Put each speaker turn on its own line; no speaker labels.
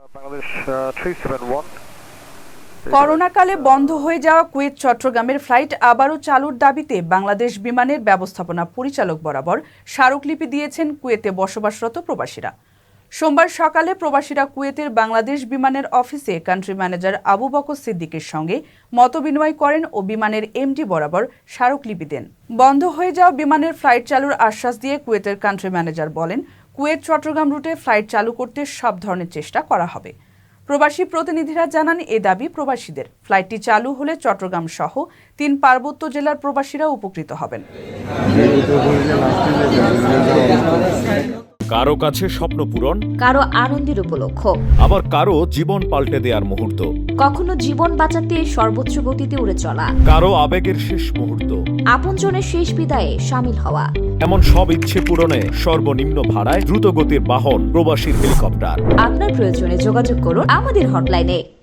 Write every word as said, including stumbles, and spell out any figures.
করোনাকালে বন্ধ হয়ে যাওয়া কুয়েত চট্টগ্রামের ফ্লাইট আবারও চালুর দাবিতে বাংলাদেশ বিমানের ব্যবস্থাপনা পরিচালক বরাবর স্মারকলিপি দিয়েছেন কুয়েতে বসবাসরত প্রবাসীরা। সোমবার সকালে প্রবাসীরা কুয়েতের বাংলাদেশ বিমানের অফিসে কান্ট্রি ম্যানেজার আবু বকর সিদ্দিকের সঙ্গে মতবিনিময় করেন ও বিমানের এমডি বরাবর স্মারকলিপি দেন। বন্ধ হয়ে যাওয়া বিমানের ফ্লাইট চালুর আশ্বাস দিয়ে কুয়েতের কান্ট্রি ম্যানেজার বলেন, কুয়েত চট্টগ্রাম রুটে ফ্লাইট চালু করতে সব ধরনের চেষ্টা করা হবে। প্রবাসী প্রতিনিধিরা জানান, এ দাবি প্রবাসীদের। ফ্লাইটটি চালু হলে চট্টগ্রাম সহ তিন পার্বত্য জেলার প্রবাসীরা উপকৃত হবেন।
কারো কাছে স্বপ্ন পূরণ,
কারো আনন্দের উপলক্ষ,
আবার কারো জীবন পাল্টে দেওয়ার মুহূর্ত,
কখনো জীবন বাঁচাতে সর্বোচ্চ গতিতে উড়ে চলা,
কারো আবেগের শেষ মুহূর্ত,
আপনজনের শেষ বিদায়ে শামিল হওয়া,
এমন সব ইচ্ছে পূরণে সর্বনিম্ন ভাড়ায় দ্রুতগতির বাহন প্রবাসীর হেলিকপ্টার।
আপনার প্রয়োজনে যোগাযোগ করুন আমাদের হটলাইনে।